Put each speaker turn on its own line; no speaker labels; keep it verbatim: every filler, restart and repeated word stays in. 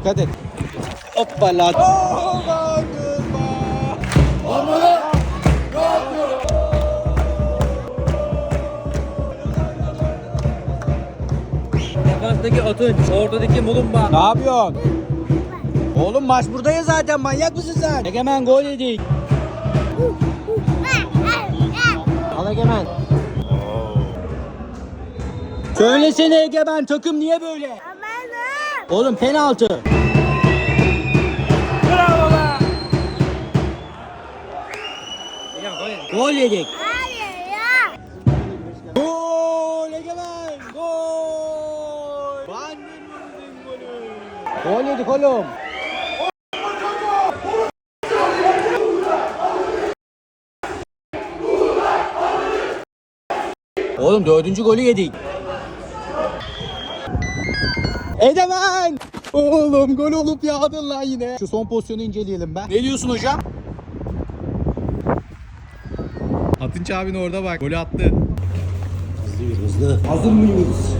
Dikkat et. Hoppala.
Defanstaki Atınç, ortadaki Mulumba.
Ne yapıyorsun? Oğlum maç burada ya zaten, manyak mısın sen? Egemen gol yedik. Al Egemen. Söylesene Egemen, takım niye böyle? Oğlum penaltı.
Bravo be!
Gol yedik.
Hayır ya.
Gol Egemen. Gol. Van der Merwe'nin golü. Gol yedik oğlum. Oğlum dördüncü golü yedik. Egemen. Oğlum gol olup yağdın lan yine. Şu son pozisyonu inceleyelim ben. Ne diyorsun hocam?
Atınç abin orada bak, golü attı.
Hızlı hızlı. Hazır mıyız?